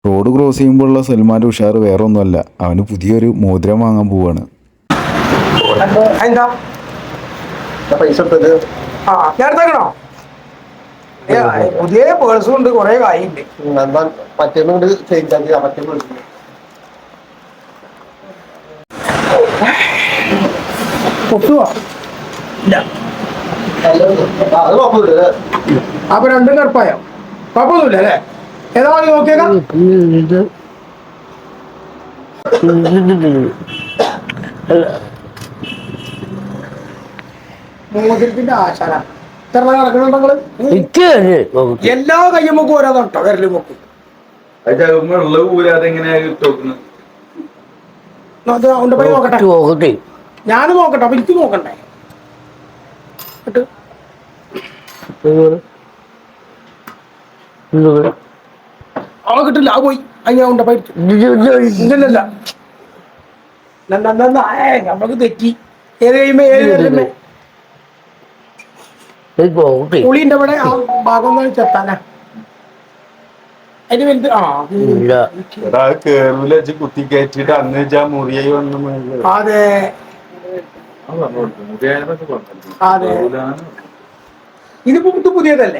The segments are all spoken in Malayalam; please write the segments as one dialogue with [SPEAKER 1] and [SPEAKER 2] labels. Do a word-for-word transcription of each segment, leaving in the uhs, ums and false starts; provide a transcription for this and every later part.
[SPEAKER 1] റോഡ് ക്രോസ് ചെയ്യുമ്പോഴുള്ള സൽമാൻ്റെ ഉഷാർ വേറെ ഒന്നുമല്ല, അവന് പുതിയൊരു മോതിരം വാങ്ങാൻ പോവാണ്.
[SPEAKER 2] എന്താ
[SPEAKER 3] പൈസ
[SPEAKER 2] ആ ഞാൻ എടുത്തേക്കണോ? പുതിയ പേഴ്സും ഉണ്ട്, കുറെ കായുണ്ട്.
[SPEAKER 3] മറ്റേന്നുകൊണ്ട് ചേഞ്ച് മറ്റേ
[SPEAKER 2] പൊട്ടുവാ ഇല്ല. അപ്പൊ രണ്ടും കറുപ്പായോ? കുഴപ്പമൊന്നുമില്ല അല്ലേ? ഏതാ വാങ്ങി നോക്കിയേക്കാം. മോതിരത്തിന്റെ ആശാന എത്ര നടക്കണുണ്ടോ നിങ്ങള്? എല്ലാ കയ്യുമ്പോക്കും ഓരോ തൊട്ടോ വിരല് പൊക്കും. നോക്കട്ടെ, ഞാന് നോക്കട്ടെ. അപ്പൊ എനിക്ക് നോക്കണ്ടേ? അവ കിട്ടില്ല, ആ പോയി. അതിന് ഉണ്ട പൈ ഇല്ലല്ല, നമ്മക്ക് തെറ്റി. ഏത് കഴിയുമ്പോ ഏത് വരുമ്പേ പുളിന്റെ ഇവിടെ ആ ഭാഗം ചെത്താനാ അതിന് വലുത്. ആ
[SPEAKER 4] കുത്തി കയറ്റിട്ട് അന്ന് മുറിയായി വന്നു.
[SPEAKER 2] അതെ അതെ, ഇതിപ്പോ ഇത് പുതിയതല്ലേ?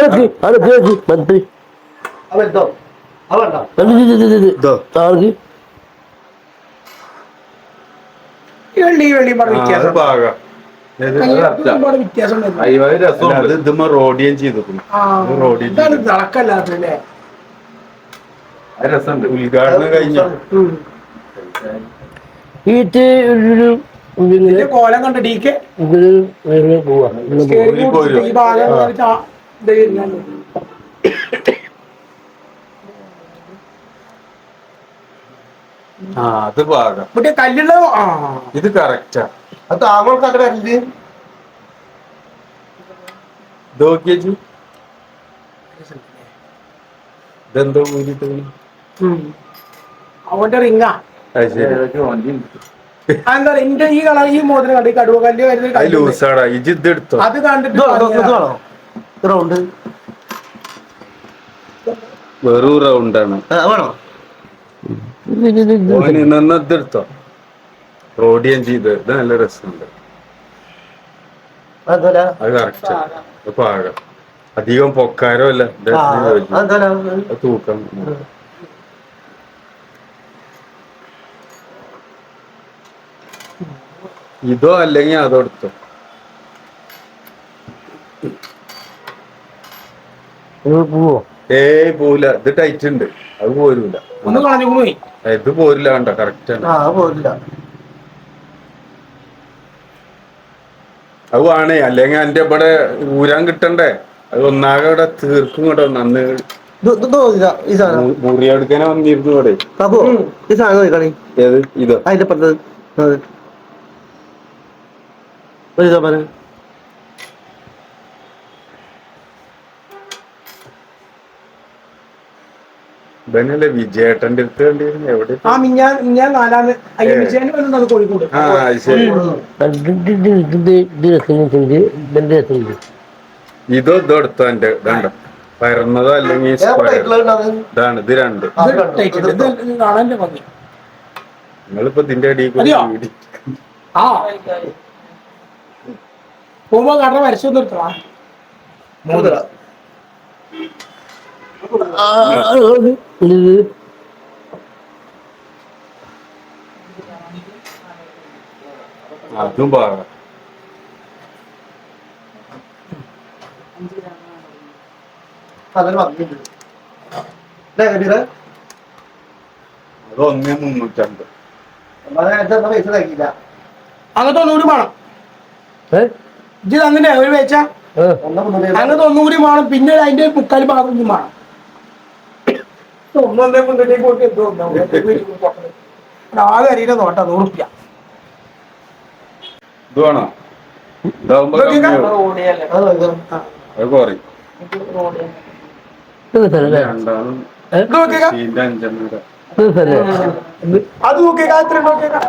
[SPEAKER 2] വെള്ളി വെള്ളി വ്യത്യാസം വ്യത്യാസം
[SPEAKER 4] റോഡിയം ചെയ്തു
[SPEAKER 2] തിളക്കല്ലാത്തല്ലേ?
[SPEAKER 4] ഉദ്ഘാടനം കഴിഞ്ഞു.
[SPEAKER 2] കോലം കണ്ട ഡീക്ക് ഈ ഭാഗം
[SPEAKER 4] ആ അത് ഭാഗം
[SPEAKER 2] മറ്റേ കല്ലുള്ള. ആ
[SPEAKER 4] ഇത് കറക്റ്റാ.
[SPEAKER 3] അത് താങ്കൾക്ക് അങ്ങനെ അല്ലേ?
[SPEAKER 4] ഇതെന്തോ ഊരിട്ട്
[SPEAKER 2] അവന്റെ റിങ്ങാ. എന്താ എന്റെ ഈ കളർ ഈ മോതിരം കണ്ടു കടുവ കല്ല് വരുന്നത് അത് കണ്ടിട്ട്
[SPEAKER 3] റൗണ്ട്
[SPEAKER 4] വെറും റൗണ്ടാണ്. ഇതെടുത്തോ? റോഡിയം ചെയ്ത് ഇത് നല്ല രസമുണ്ട്. അത് കറക്റ്റ് പാകം. അധികം പൊക്കാരോ അല്ല, തൂക്കം. ഇതോ അല്ലെങ്കിൽ അതോ എടുത്തോ? ഏയ് പോവില്ല, ഇത് ടൈറ്റ് ഉണ്ട്, അത് പോരൂല.
[SPEAKER 2] ഒന്ന് കളഞ്ഞു പോയി.
[SPEAKER 4] ഇത് പോരില്ല, കണ്ട കറക്റ്റ് ആണ്. അത് വേണേ, അല്ലെങ്കിൽ എന്റെ ഇവിടെ ഊരാൻ കിട്ടണ്ടേ? അത് ഒന്നാകെ ഇവിടെ തീർക്കും കേട്ടോ. നന്ന് മുറിയെടുക്കാനെ വന്നിരുന്നു ഇവിടെ. ഏത് ഇതോ?
[SPEAKER 3] അതിന്റെ പറഞ്ഞത്
[SPEAKER 4] ഇതന്നെയല്ലേ വിജയേട്ടന്റെ അടുത്ത് കണ്ടിരുന്നു. എവിടെ?
[SPEAKER 2] ആ മിഞ്ഞാൻ മിഞ്ഞാൻ നാലാമത് അയ്യമിച്ചേന് വന്നത് കോഴിക്കോട്.
[SPEAKER 4] ആ ശരി. ഇതോ ഇതോ എടുത്തോ? എന്റെ ഇതണ്ട പരന്നതോ അല്ലെങ്കിൽ ഇതാണ്. ഇത് രണ്ട്
[SPEAKER 2] കാണാൻ്റെ ഭംഗി.
[SPEAKER 4] നിങ്ങളിപ്പോ ഇതിന്റെ അടിയിൽ
[SPEAKER 2] ആ പോകുമ്പോ കട വരച്ചു നിർത്തണ മോതിര
[SPEAKER 4] അതും പാകാം. അത് ഒന്നേ മുന്നൂറ്റമ്പത്.
[SPEAKER 2] അങ്ങനത്തെ ഒന്നുകൂടി വേണം. ഇത് അങ്ങനെ ഒരു വെച്ച അങ്ങനത്തെ ഒന്നുകൂടി വേണം. പിന്നെ അതിന്റെ മുക്കാൽ ഭാഗം ഒന്നും വേണം. ഒന്നൊന്നേ മുന്നൂറ്റേക്ക് പോയിട്ട് എന്തോ ആകെ അരിയുടെ നോട്ട നൂറ് റുപ്യ.
[SPEAKER 4] ഇത് വേണോ? ഇതാവുമ്പോ അത് കുറയും. രണ്ടാളും അഞ്ചെണ്ണ
[SPEAKER 2] അത് നോക്കിയേക്കാ. എത്ര നോക്കിയേക്കാ?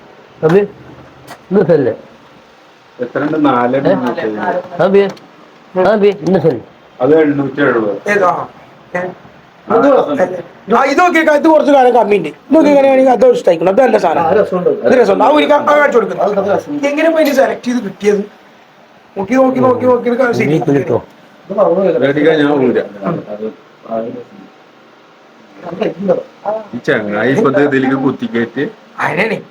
[SPEAKER 4] എത്ര ഉണ്ട്? നാല് അത് എണ്ണൂറ്റി എഴുപത്.
[SPEAKER 2] ഏതാ ആ ഇത് നോക്കിയേക്കാം, ഇത് കുറച്ച് കാലം കമ്മിയുണ്ട്. ഇത് നോക്കിയാണെങ്കിൽ അത് ഇഷ്ടമായിക്കണം. അത് നല്ല സാധനം, ഇത് രസമുണ്ട്. ആ ഒരിക്കൽ കാണിച്ചു കൊടുക്കുന്നത് എങ്ങനെ പോയി സെലക്ട് ചെയ്ത് കിട്ടിയത്? നോക്കി നോക്കി നോക്കി നോക്കി ശരി
[SPEAKER 4] ഞാൻ ഈ ചങ്ങായി ഇപ്പൊ ഇതിലേക്ക് കുത്തിക്കേറ്റ്
[SPEAKER 2] അതിനാണ്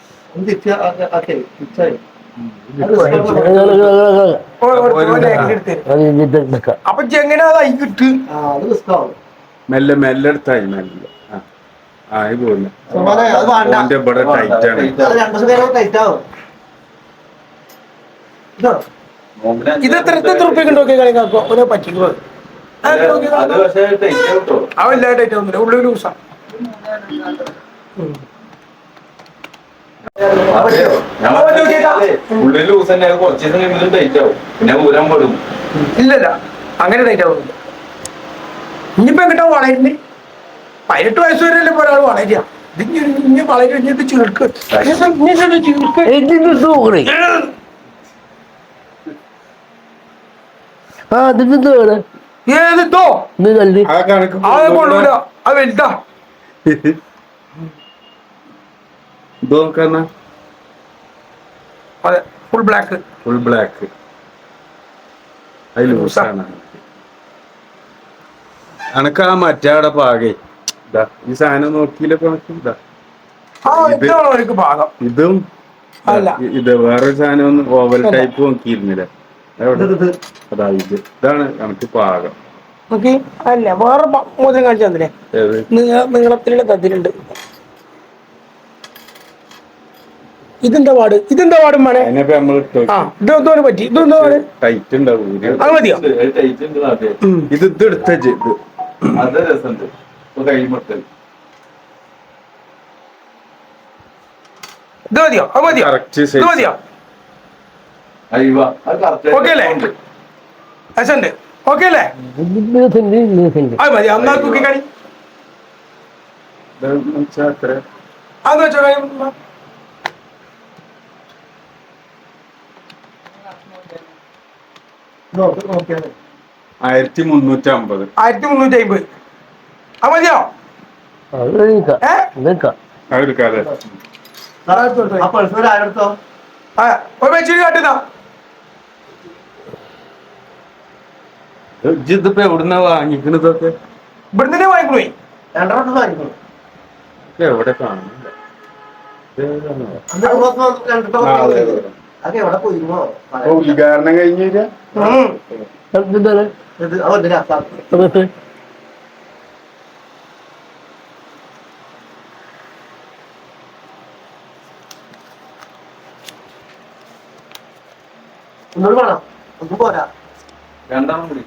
[SPEAKER 2] അപ്പൊ എങ്ങനെ അതായി കിട്ട്
[SPEAKER 4] മെല്ലെ മെല്ലെ എടുത്തായി മെല്ലെ ആയി പോയില്ല. ഇവിടെ ടൈറ്റ് ആണ്.
[SPEAKER 2] ഇത് എത്ര എത്ര റുപ്യക്ക് നോക്കി കളിക്കാക്കോ ഓരോ പറ്റിക്കുന്നത് അവല്ല ടൈറ്റ് ഒന്നുമില്ല, ഉള്ളിൽ ലൂസാ. ഇല്ലല്ല അങ്ങനെ ടൈറ്റ് ആവുന്നില്ല. ഇനിയിപ്പോ എങ്ങോട്ടാ വളരുന്നേ? പതിനെട്ട് വയസ്സ് വരെയല്ലേ ഇപ്പൊ ഒരാൾ വളരുക. ഇത് ഇനി വളരും, ഇനി ചീർക്ക് ഏതിട്ടോ അത് കൊള്ളൂല, അത് വലുതാ. അതെ ഫുൾ ബ്ലാക്ക്
[SPEAKER 4] ഫുൾ ബ്ലാക്ക് അത് ലൂസാണ്. അനക്ക് ആ മറ്റേ അവിടെ പാകേ ഇതാ ഈ സാധനം നോക്കിയില്ലൊക്കെ നോക്കി ഇതാ
[SPEAKER 2] ഭാഗം.
[SPEAKER 4] ഇതും ഇത് വേറൊരു സാധനം ഒന്ന് ഓവൽ ടൈപ്പ് നോക്കിയിരുന്നില്ല. അതാ ഇത് ഇതാണ് നമുക്ക് പാകം.
[SPEAKER 2] അല്ല വേറെ മോതിരം കാണിച്ചു തന്നില്ലേ? നീളത്തിലുള്ള തത്തിലുണ്ട്. ഇതെന്താ പാട്? ഇതെന്താ പാടും മനെ? ഇതെന്തോന് പറ്റി? ഇതെന്താ പാട്?
[SPEAKER 4] ടൈറ്റ് ഉണ്ടാവും.
[SPEAKER 2] അത് മതിയോ?
[SPEAKER 4] ഇത് ഇത് എടുത്ത ഇത് അത് രസമുണ്ട്. കൈമുട്ടൽ
[SPEAKER 2] ഇത് മതിയോ? അത് മതിയോ? ഇത് മതിയോ? ഓക്കെ അല്ലേ? രസമുണ്ട്. ഓക്കെ അല്ലേ? അത് മതി. അന്നാ തൂക്കി കളി അന്ന് വെച്ചോ.
[SPEAKER 4] ആയിരത്തി മുന്നൂറ്റി അമ്പത്
[SPEAKER 2] ആയിരത്തി മുന്നൂറ്റി അമ്പത് അത് മതിയോ?
[SPEAKER 4] അതെടുക്കാതെ
[SPEAKER 2] വെച്ചിട്ട് കാട്ടുന്ന
[SPEAKER 4] ഇതിപ്പോ എവിടുന്നാ വാങ്ങിക്കണതൊക്കെ?
[SPEAKER 2] ഇവിടെ തന്നെ വാങ്ങിക്കണോ?
[SPEAKER 3] രണ്ടെണ്ണം വാങ്ങിക്കണം.
[SPEAKER 4] എവിടെ കാണുന്നില്ല.
[SPEAKER 3] അതൊക്കെ എവിടെ പോയിരുന്നോ?
[SPEAKER 4] ഉദ്ഘാടനം കഴിഞ്ഞില്ല.
[SPEAKER 3] ഒന്നുകൂടി വേണം, ഒന്നും പോരാ.
[SPEAKER 4] രണ്ടെണ്ണം കൂടി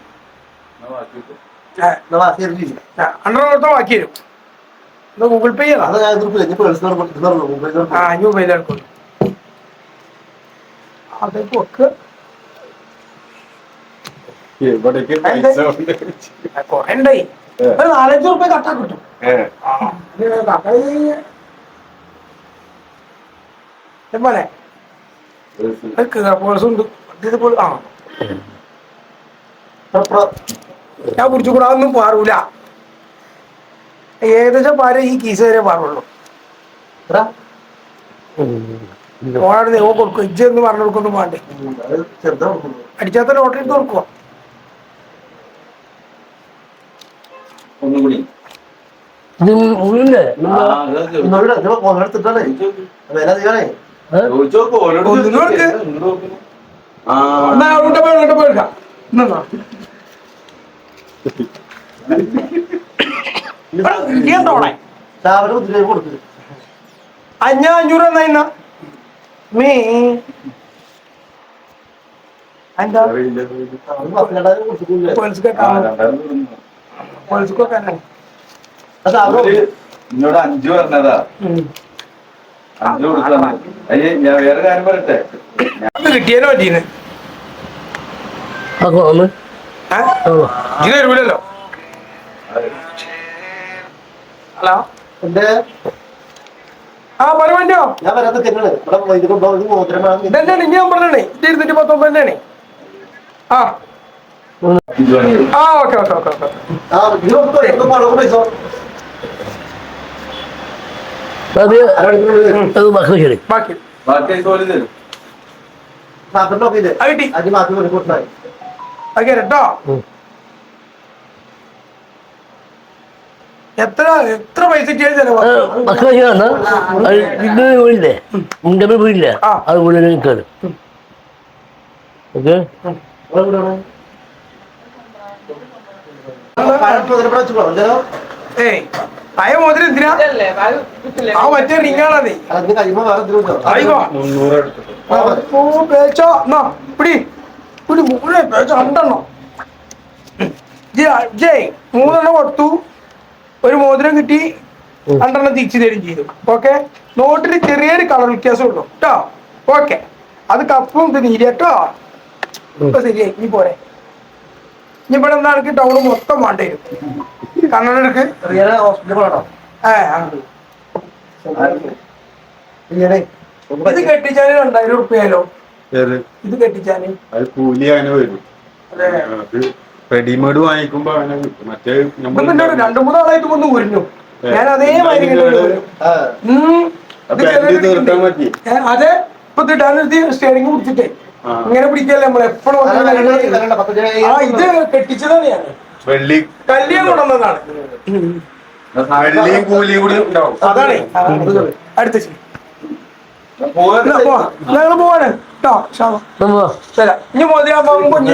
[SPEAKER 2] അണ്ടർത്തെ ബാക്കി തരും. ഗൂഗിൾ പേ ചെയ്യണം. ആ അഞ്ഞൂറ് മൊബൈലെടുക്കും. അതേക്ക് വെക്ക്. കൊറേ ഉണ്ടായി. ഒരു നാലഞ്ച് റുപ്യ കട്ടാ കിട്ടും. പോലെ ഉണ്ട്. ആ ഞാൻ കുടിച്ചു കൂടാ ഒന്നും പാറൂല. ഏകദേശം പാര ഈ കീസ് വരെ പാറുള്ളൂ. ഓണാട് ദൈവം കൊടുക്കും. ഇജ്ജ് എന്ന് പറഞ്ഞു കൊടുക്കൊന്നും വേണ്ടേ. അടിച്ചാത്ത ലോട്ടറി എടുത്ത് കൊടുക്കുക.
[SPEAKER 4] ഒന്നുകൂടി
[SPEAKER 2] അഞ്ഞ അഞ്ഞൂറ് എന്നാ മീ എന്താ
[SPEAKER 4] എന്നോട് അഞ്ചു പറഞ്ഞതാ. അഞ്ചു കൊടുത്താണ്. അയ്യേ ഞാൻ വേറെ കാര്യം പറയട്ടെ.
[SPEAKER 2] കിട്ടിയാലോ പറ്റീന്ന് ഇത് തരൂലല്ലോ. ഹലോ
[SPEAKER 3] എന്റെ
[SPEAKER 2] ആ പറയുമോ?
[SPEAKER 3] ഞാൻ വരാത്ത
[SPEAKER 2] ഇതന്നെയാണ് ഇനി ഞാൻ പറഞ്ഞേ. ഇത് ഇരുന്നൂറ്റി പത്തൊമ്പത് തന്നെയാണ്. ആ ആ ഓക്കെ ഓക്കെ ഓക്കെ ഓക്കെ
[SPEAKER 3] ആ ഇത് നമുക്ക് എത്ര പണം പൈസ
[SPEAKER 5] അത് അത് ഭക്ഷണം ശരി
[SPEAKER 2] ബാക്കി
[SPEAKER 4] ബാക്കി പോലെ തരും
[SPEAKER 3] മാത്രം നോക്കിയില്ലേ
[SPEAKER 2] അത് കിട്ടി
[SPEAKER 3] അത് മാത്രം ഒരു കൂട്ടായി
[SPEAKER 2] അത് കേട്ടോ എത്ര എത്ര പൈസ ചെലവാ
[SPEAKER 5] ഭക്ഷണം ശരിയാണ് അത് ഇത് വീടില്ലേ മുണ്ടമ്മ വീടില്ലേ
[SPEAKER 2] ആ.
[SPEAKER 5] അത് വീടിന് നിൽക്കാറ് ഓക്കെ
[SPEAKER 2] ഏയ് അയ മോതിരം എന്തിനാ ആ മറ്റേ റിങ്ങാണതേ
[SPEAKER 3] അതിന് കഴിയുമ്പോ വേറെ എന്തെങ്കിലും
[SPEAKER 2] ആയിക്കോ
[SPEAKER 4] മുന്നൂറ് എടുത്തിട്ട്
[SPEAKER 2] ഓ പേച്ചോ എന്നാ പിടി പിടി മൂന്ന് പേച്ചോ രണ്ടെണ്ണം ജയ് ജയ് മൂന്നെണ്ണം കൊടുത്തു ഒരു മോതിരം കിട്ടി രണ്ടെണ്ണം തിരിച്ചു തരും ചെയ്തു ഓക്കെ നോട്ടിന് ചെറിയൊരു കളർ വ്യത്യാസം ഉള്ളു കേട്ടോ ഓക്കെ അത് കപ്പും ഇത് നീര് കേട്ടോ ഇപ്പൊ ശരിയായി നീ പോരെ ഇനി ഇവിടെ എന്താ എനിക്ക് ടൗൺ മൊത്തം വേണ്ടി വരും കണ്ണട എടുക്ക്
[SPEAKER 3] ഹോസ്പിറ്റൽ പോകണോ
[SPEAKER 2] ഏ ആ. ഇത് കെട്ടിച്ചാല് രണ്ടായിരം ഉറുപ്പിയാലോ
[SPEAKER 4] ഏത്
[SPEAKER 2] ഇത് കെട്ടിച്ചാല്
[SPEAKER 4] അത് കൂലി അങ്ങനെ വരും
[SPEAKER 2] അതെ
[SPEAKER 4] അത് റെഡിമെയ്ഡ് വാങ്ങിക്കുമ്പോ അങ്ങനെ കിട്ടും മറ്റേ
[SPEAKER 2] ഇപ്പൊ പിന്നെ ഒരു രണ്ടു മൂന്നാളായിട്ട് ഒന്ന് ഉരിഞ്ഞു ഞാൻ അതേമാതിരി കെട്ടിട്ട് വരും. ഉം. ഇത്
[SPEAKER 4] അപ്പൊ
[SPEAKER 2] ചിലര്
[SPEAKER 4] എന്റെ തീർത്താൻ പറ്റി
[SPEAKER 2] ഏ, അതെ ഇപ്പൊ ഇടാനെടുത്ത് സ്റ്റിയറിംഗ് പിടിച്ചിട്ടേ
[SPEAKER 4] ആ.
[SPEAKER 2] ഇങ്ങനെ പിടിക്കല്ലേ നമ്മൾ എപ്പോഴും ആ ഇത് കെട്ടിച്ചതാണ് ഞാൻ
[SPEAKER 4] വെള്ളി
[SPEAKER 2] കല്യാണം കൊണ്ടുവന്നതാണ്
[SPEAKER 4] വെള്ളിയും കൂലിയും കൂടി ഉണ്ടാവും
[SPEAKER 2] അതാണ് അടുത്ത ശരി ഞങ്ങൾ പോവാണ് കേട്ടോ ശാമ ശരി ഇനി മോതിരാകുമ്പോ കുഞ്ഞു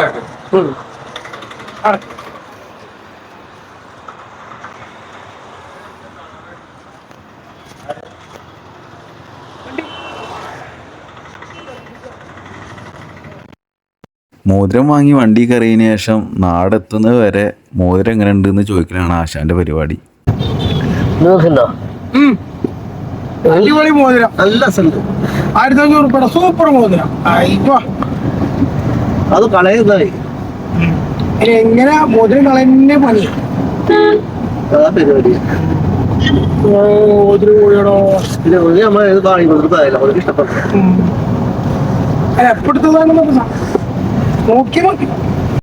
[SPEAKER 1] മോതിരം വാങ്ങി വണ്ടി കയറിയതിന് ശേഷം നാടെത്തുന്നത് വരെ മോതിരം എങ്ങനെ ഉണ്ടെന്ന് ചോദിക്കലാണ് ആശാന്റെ പരിപാടി.
[SPEAKER 5] നോക്കണ്ടോ
[SPEAKER 2] അടിപൊളി മോതിരം
[SPEAKER 3] നല്ല സ്ഥലത്ത്
[SPEAKER 2] ആയിരത്തി അഞ്ഞൂറ് രൂപയുടെ സൂപ്പർ മോതിരം ആയിക്കോ
[SPEAKER 3] അത് കളയുന്നതായി
[SPEAKER 2] എങ്ങനെ മോതിരം കളന്നെ പണി
[SPEAKER 3] അതാ പരിപാടി
[SPEAKER 2] മോതിരം കൂടിയടോ
[SPEAKER 3] പിന്നെ ഒരു നമ്മൾ ഏത് കാണിക്കുന്നതായില്ല അവർക്ക് ഇഷ്ടപ്പെട്ടു
[SPEAKER 2] എപ്പോഴത്തതാണെന്നൊക്കെ നോക്കി നോക്കി